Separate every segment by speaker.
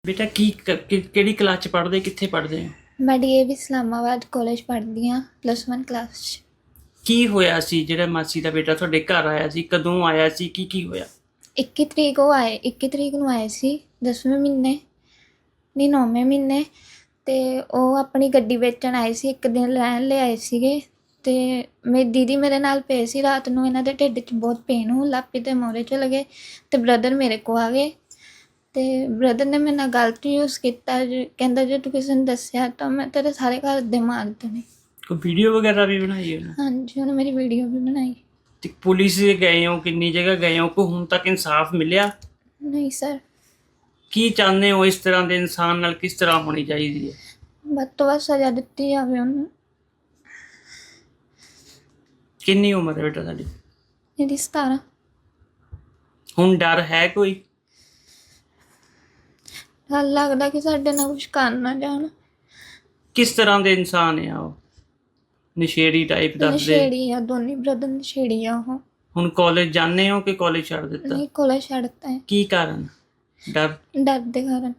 Speaker 1: बेटा ਕਿਹੜੀ ਕਲਾਸ ਚ ਪੜ੍ਹਦੇ ਕਿੱਥੇ ਪੜ੍ਹਦੇ ਹੋ?
Speaker 2: मैं डीएवी इस्लामाबाद कॉलेज पढ़ती हाँ +1 क्लास।
Speaker 1: ਕੀ ਹੋਇਆ ਸੀ ਜਿਹੜਾ ਮਾਸੀ ਦਾ ਬੇਟਾ ਤੁਹਾਡੇ ਘਰ ਆਇਆ ਸੀ? ਕਦੋਂ ਆਇਆ ਸੀ? ਕੀ ਹੋਇਆ?
Speaker 2: 21 ਤਰੀਕ ਉਹ ਆਏ 21 ਤਰੀਕ ਨੂੰ ਆਏ ਸੀ 10ਵੇਂ ਮਹੀਨੇ ਨਹੀਂ 9ਵੇਂ ਮਹੀਨੇ। ਅਤੇ ਉਹ ਆਪਣੀ ਗੱਡੀ ਵੇਚਣ ਆਏ ਸੀ, ਇੱਕ ਦਿਨ ਰਹਿਣ ਲਈ ਆਏ ਸੀਗੇ। ਅਤੇ ਮੇਰੀ ਦੀਦੀ ਮੇਰੇ ਨਾਲ ਪਏ ਸੀ। ਰਾਤ ਨੂੰ ਇਹਨਾਂ ਦੇ ਢਿੱਡ 'ਚ ਬਹੁਤ ਪੇਨ ਹੋਣ ਲੱਗ ਪਈ ਅਤੇ ਮੋਰੇ ਚਲੇ ਗਏ ਅਤੇ ਬ੍ਰਦਰ ਮੇਰੇ ਕੋਲ ਆ ਗਏ। ਅਤੇ ਬ੍ਰਦਰ ਨੇ ਮੇਰੇ ਨਾਲ ਗਲਤ ਯੂਜ਼ ਕੀਤਾ, ਕਹਿੰਦਾ ਜੇ ਤੂੰ ਕਿਸੇ ਨੂੰ ਦੱਸਿਆ ਤਾਂ ਮੈਂ ਤੇਰੇ ਸਾਰੇ ਘਰ ਦੇ ਮਾਰ ਦੇਣੇ।
Speaker 1: ਕੋਈ ਵੀਡੀਓ ਵਗੈਰਾ ਵੀ ਬਣਾਈ ਹੈ?
Speaker 2: ਹਾਂਜੀ, ਉਹਨੇ ਮੇਰੀ ਵੀਡੀਓ ਵੀ ਬਣਾਈ।
Speaker 1: ਤੇ ਪੁਲਿਸ ਦੇ ਗਏ ਹੋ? ਕਿੰਨੀ ਜਗ੍ਹਾ ਗਏ ਹੋ? ਕੋਈ ਹੁਣ ਤੱਕ ਇਨਸਾਫ ਮਿਲਿਆ?
Speaker 2: ਨਹੀਂ ਸਰ।
Speaker 1: ਕੀ ਚਾਹੁੰਦੇ ਹੋ? ਇਸ ਤਰ੍ਹਾਂ ਦੇ ਇਨਸਾਨ ਨਾਲ ਕਿਸ ਤਰ੍ਹਾਂ ਹੋਣੀ ਚਾਹੀਦੀ ਹੈ?
Speaker 2: ਵੱਧ ਤੋਂ ਵੱਧ ਸਜ਼ਾ ਦਿੱਤੀ ਜਾਵੇ ਉਹਨੂੰ।
Speaker 1: ਕਿੰਨੀ ਉਮਰ ਹੈ ਬੇਟਾ ਤੁਹਾਡੀ?
Speaker 2: ਇਹਦੀ 17।
Speaker 1: ਹੁਣ ਡਰ ਹੈ ਕੋਈ?
Speaker 2: ਡਰ ਲੱਗਦਾ ਕਿ ਸਾਡੇ ਨਾਲ ਕੁਛ ਕਰ ਨਾ ਜਾਣ।
Speaker 1: ਕਿਸ ਤਰ੍ਹਾਂ ਦੇ ਇਨਸਾਨ ਆ ਉਹ? ਨਸ਼ੇੜੀ ਟਾਈਪ ਦੱਸਦੇ?
Speaker 2: ਨਸ਼ੇੜੀ ਆ, ਦੋਨੇ ਬ੍ਰਦਰ ਨਸ਼ੇੜੀ ਆ ਉਹ।
Speaker 1: ਹੁਣ ਕਾਲਜ ਜਾਂਦੇ ਹੋ ਕਿ ਕਾਲਜ ਛੱਡ ਦਿੱਤਾ?
Speaker 2: ਨਹੀਂ, ਕਾਲਜ ਛੱਡਤਾ ਹੈ।
Speaker 1: ਕੀ ਕਾਰਨ? ਡਰ
Speaker 2: ਦੇ ਕਾਰਨ।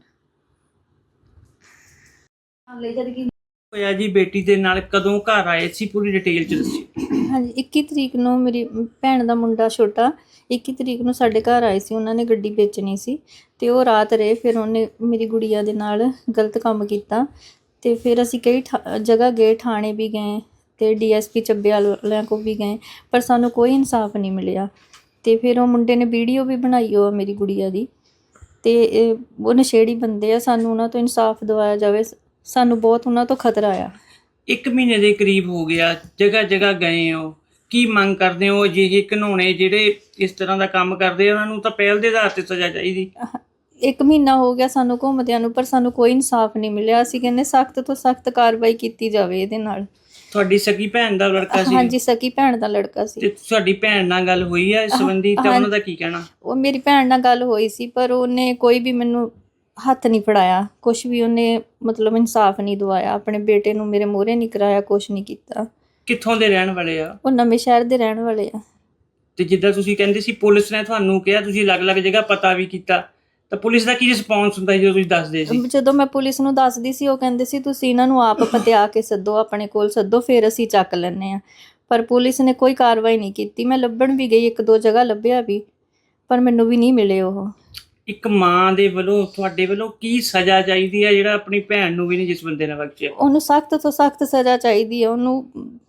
Speaker 1: ਹੋਇਆ ਜੀ ਬੇਟੀ ਦੇ ਨਾਲ? ਕਦੋਂ ਘਰ ਆਏ ਸੀ? ਪੂਰੀ ਡਿਟੇਲ ਚ ਦੱਸਿਓ।
Speaker 3: ਹਾਂਜੀ, 21 ਤਰੀਕ ਨੂੰ ਮੇਰੀ ਭੈਣ ਦਾ ਮੁੰਡਾ ਛੋਟਾ 21 ਤਰੀਕ ਨੂੰ ਸਾਡੇ ਘਰ ਆਏ ਸੀ। ਉਹਨਾਂ ਨੇ ਗੱਡੀ ਵੇਚਣੀ ਸੀ ਅਤੇ ਉਹ ਰਾਤ ਰਹੇ। ਫਿਰ ਉਹਨੇ ਮੇਰੀ ਗੁੜੀਆ ਦੇ ਨਾਲ ਗਲਤ ਕੰਮ ਕੀਤਾ ਅਤੇ ਫਿਰ ਅਸੀਂ ਕਈ ਜਗ੍ਹਾ ਗਏ, ਥਾਣੇ ਵੀ ਗਏ ਅਤੇ DSP ਚੱਬੇ ਵਾਲਿਆਂ ਕੋਲ ਵੀ ਗਏ, ਪਰ ਸਾਨੂੰ ਕੋਈ ਇਨਸਾਫ ਨਹੀਂ ਮਿਲਿਆ। ਅਤੇ ਫਿਰ ਉਹ ਮੁੰਡੇ ਨੇ ਵੀਡੀਓ ਵੀ ਬਣਾਈ ਉਹ ਮੇਰੀ ਗੁੜੀਆ ਦੀ। ਅਤੇ ਉਹ ਨਸ਼ੇੜੀ ਬੰਦੇ ਆ, ਸਾਨੂੰ ਉਹਨਾਂ ਤੋਂ ਇਨਸਾਫ ਦਿਵਾਇਆ ਜਾਵੇ। ਸਾਨੂੰ ਬਹੁਤ ਉਹਨਾਂ ਤੋਂ ਖਤਰਾ ਆ।
Speaker 1: 1 ਮਹੀਨੇ ਦੇ ਕਰੀਬ ਹੋ ਗਿਆ, ਜਗ੍ਹਾ ਜਗ੍ਹਾ ਗਏ ਹੋ, ਕੀ ਮੰਗ ਕਰਦੇ ਹੋ? ਅਜਿਹੇ ਘਿਨੌਣੇ ਜਿਹੜੇ ਇਸ ਤਰ੍ਹਾਂ ਦਾ ਕੰਮ ਕਰਦੇ ਆ ਉਹਨਾਂ ਨੂੰ ਤਾਂ ਪਹਿਲ ਦੇ ਆਧਾਰ 'ਤੇ ਸਜ਼ਾ ਚਾਹੀਦੀ।
Speaker 3: 1 ਮਹੀਨਾ ਹੋ ਗਿਆ ਸਾਨੂੰ ਘੁੰਮਦਿਆਂ ਨੂੰ, ਪਰ ਸਾਨੂੰ ਕੋਈ ਇਨਸਾਫ ਨਹੀਂ ਮਿਲਿਆ। ਅਸੀਂ ਕਹਿੰਦੇ ਸਖਤ ਤੋਂ ਸਖਤ ਕਾਰਵਾਈ ਕੀਤੀ ਜਾਵੇ ਇਹਦੇ ਨਾਲ।
Speaker 1: ਤੁਹਾਡੀ ਸਕੀ ਭੈਣ ਦਾ ਲੜਕਾ ਸੀ?
Speaker 3: ਹਾਂਜੀ, ਸਕੀ ਭੈਣ ਦਾ ਲੜਕਾ ਸੀ।
Speaker 1: ਤੇ ਤੁਹਾਡੀ ਭੈਣ ਨਾਲ ਗੱਲ ਹੋਈ ਹੈ ਇਸ ਸੰਬੰਧੀ? ਤਾਂ ਉਹਨਾਂ ਦਾ ਕੀ ਕਹਿਣਾ?
Speaker 3: ਉਹ ਮੇਰੀ ਭੈਣ ਨਾਲ ਗੱਲ ਹੋਈ ਸੀ, ਪਰ ਉਹਨੇ ਕੋਈ ਵੀ ਮੈਨੂੰ ਹੱਥ ਨਹੀਂ ਫੜਾਇਆ, ਕੁਛ ਵੀ ਉਹਨੇ ਮਤਲਬ ਇਨਸਾਫ ਨਹੀਂ ਦਵਾਇਆ। ਆਪਣੇ ਬੇਟੇ ਨੂੰ ਮੇਰੇ ਮੂਹਰੇ ਨਹੀਂ ਕਰਾਇਆ, ਕੁਛ ਨਹੀਂ ਕੀਤਾ।
Speaker 1: ਕਿੱਥੋਂ ਦੇ ਰਹਿਣ ਵਾਲੇ ਆ?
Speaker 3: ਉਹ ਨਵੇਂ ਸ਼ਹਿਰ ਦੇ ਰਹਿਣ ਵਾਲੇ ਆ।
Speaker 1: ਤੇ ਜਿੱਦਾਂ ਤੁਸੀਂ ਕਹਿੰਦੇ ਸੀ ਪੁਲਿਸ ਨੇ ਤੁਹਾਨੂੰ ਕਿਹਾ, ਤੁਸੀਂ ਅਲੱਗ-ਅਲੱਗ ਜਗ੍ਹਾ ਪਤਾ ਵੀ ਕੀਤਾ, ਤਾਂ ਪੁਲਿਸ ਦਾ ਕੀ ਰਿਸਪੌਂਸ ਹੁੰਦਾ ਜਦੋਂ ਤੁਸੀਂ ਦੱਸਦੇ ਸੀ?
Speaker 3: ਜਦੋਂ ਮੈਂ ਪੁਲਿਸ ਨੂੰ ਦੱਸਦੀ ਸੀ, ਉਹ ਕਹਿੰਦੇ ਸੀ ਤੁਸੀਂ ਇਹਨਾਂ ਨੂੰ ਆਪ ਪਤਿਆ ਕੇ ਸੱਦੋ, ਆਪਣੇ ਕੋਲ ਸੱਦੋ, ਫਿਰ ਅਸੀਂ ਚੱਕ ਲੈਂਦੇ ਹਾਂ। ਪਰ ਪੁਲਿਸ ਨੇ ਕੋਈ ਕਾਰਵਾਈ ਨਹੀਂ ਕੀਤੀ। ਮੈਂ ਲੱਭਣ ਵੀ ਗਈ, 1-2 ਜਗ੍ਹਾ ਲੱਭਿਆ ਵੀ, ਪਰ ਮੈਨੂੰ ਵੀ ਨਹੀਂ ਮਿਲੇ ਉਹ।
Speaker 1: ਇੱਕ ਮਾਂ ਦੇ ਵੱਲੋਂ ਤੁਹਾਡੇ ਵੱਲੋਂ ਕੀ ਸਜ਼ਾ ਚਾਹੀਦੀ ਹੈ ਜਿਹੜਾ ਆਪਣੀ ਭੈਣ ਨੂੰ ਵੀ ਨਹੀਂ ਜਿਸ ਬੰਦੇ ਨੇ ਬਖਸ਼ਿਆ?
Speaker 3: ਉਹਨੂੰ ਸਖਤ ਤੋਂ ਸਖਤ ਸਜ਼ਾ ਚਾਹੀਦੀ ਹੈ। ਉਹਨੂੰ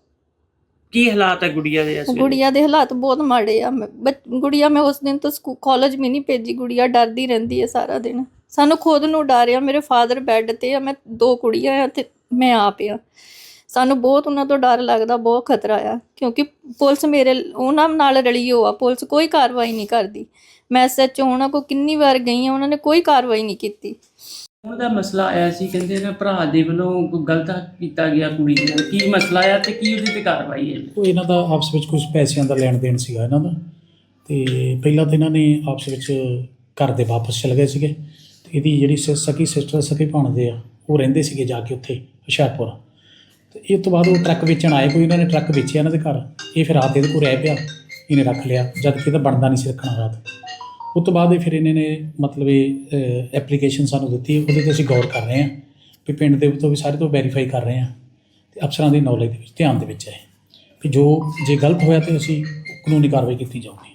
Speaker 1: ਕੀ ਹਾਲਾਤ ਹੈ ਗੁੜੀਆ ਦੇ?
Speaker 3: ਗੁੜੀਆ ਦੇ ਹਾਲਾਤ ਬਹੁਤ ਮਾੜੇ ਆ। ਗੁੜੀਆ ਮੈਂ ਉਸ ਦਿਨ ਤੋਂ ਕਾਲਜ ਵੀ ਨਹੀਂ ਭੇਜੀ। ਗੁੜੀਆ ਡਰਦੀ ਰਹਿੰਦੀ ਹੈ ਸਾਰਾ ਦਿਨ। ਸਾਨੂੰ ਖੁਦ ਨੂੰ ਡਰ ਆ। ਮੇਰੇ ਫਾਦਰ ਬੈੱਡ 'ਤੇ ਆ, ਮੈਂ 2 ਕੁੜੀਆਂ ਆ ਅਤੇ ਮੈਂ ਆਪ ਆ। ਸਾਨੂੰ ਬਹੁਤ ਉਹਨਾਂ ਤੋਂ ਡਰ ਲੱਗਦਾ, ਬਹੁਤ ਖਤਰਾ ਆ, ਕਿਉਂਕਿ ਪੁਲਿਸ ਉਹਨਾਂ ਨਾਲ ਰਲੀ ਹੋ ਆ। ਪੁਲਿਸ ਕੋਈ ਕਾਰਵਾਈ ਨਹੀਂ ਕਰਦੀ। ਮੈਂ SHO ਉਹਨਾਂ ਕੋਲ ਕਿੰਨੀ ਵਾਰ ਗਈ ਹਾਂ, ਉਹਨਾਂ ਨੇ ਕੋਈ ਕਾਰਵਾਈ ਨਹੀਂ ਕੀਤੀ।
Speaker 1: ਉਹਨਾਂ ਦਾ ਮਸਲਾ ਆਇਆ ਸੀ, ਕਹਿੰਦੇ ਨਾ ਭਰਾ ਦੇ ਵੱਲੋਂ ਕੋਈ ਗਲਤ ਕੀਤਾ ਗਿਆ ਕੁੜੀ ਨਾਲ। ਕੀ ਮਸਲਾ ਆ ਤੇ ਕੀ ਉਹਦੀ ਤੇ ਕਾਰਵਾਈ ਹੈ?
Speaker 4: ਉਹ ਇਹਨਾਂ ਦਾ ਆਪਸ ਵਿੱਚ ਕੁਝ ਪੈਸਿਆਂ ਦਾ ਲੈਣ ਦੇਣ ਸੀਗਾ ਇਹਨਾਂ ਦਾ। ਅਤੇ ਪਹਿਲਾਂ ਤਾਂ ਇਹਨਾਂ ਨੇ ਆਪਸ ਵਿੱਚ ਘਰ ਦੇ ਵਾਪਸ ਚਲੇ ਗਏ ਸੀਗੇ। ਅਤੇ ਇਹਦੀ ਜਿਹੜੀ ਸਕੀ ਸਿਸਟਰ ਸਕੀ ਭਾਣਦੇ ਆ, ਉਹ ਰਹਿੰਦੇ ਸੀਗੇ ਜਾ ਕੇ ਉੱਥੇ ਹੁਸ਼ਿਆਰਪੁਰ। ਅਤੇ ਇਹ ਤੋਂ ਬਾਅਦ ਉਹ ਟਰੱਕ ਵੇਚਣ ਆਏ, ਕੋਈ ਇਹਨਾਂ ਨੇ ਟਰੱਕ ਵੇਚਿਆ ਇਹਨਾਂ ਦੇ ਘਰ। ਇਹ ਫਿਰ ਰਾਤ ਇਹਦੇ ਕੋਲ ਰਹਿ ਪਿਆ, ਇਹਨੇ ਰੱਖ ਲਿਆ, ਜਦ ਕਿ ਇਹਦਾ ਬਣਦਾ ਨਹੀਂ ਸੀ ਰੱਖਣਾ ਰਾਤ। ਉਸ ਤੋਂ ਬਾਅਦ ਫਿਰ ਇਹਨਾਂ ਨੇ ਮਤਲਬ ਇਹ ਐਪਲੀਕੇਸ਼ਨ ਸਾਨੂੰ ਦਿੱਤੀ। ਉਹਦੇ 'ਤੇ ਅਸੀਂ ਗੌਰ ਕਰ ਰਹੇ ਹਾਂ ਵੀ ਪਿੰਡ ਦੇ ਤੋਂ ਵੀ ਸਾਰੇ ਤੋਂ ਵੈਰੀਫਾਈ ਕਰ ਰਹੇ ਹਾਂ ਅਤੇ ਅਫਸਰਾਂ ਦੀ ਨੌਲੇਜ ਦੇ ਵਿੱਚ ਧਿਆਨ ਦੇ ਵਿੱਚ ਹੈ ਵੀ ਜੇ ਗਲਤ ਹੋਇਆ ਤਾਂ ਅਸੀਂ ਕਾਨੂੰਨੀ ਕਾਰਵਾਈ ਕੀਤੀ ਜਾਊਗੀ।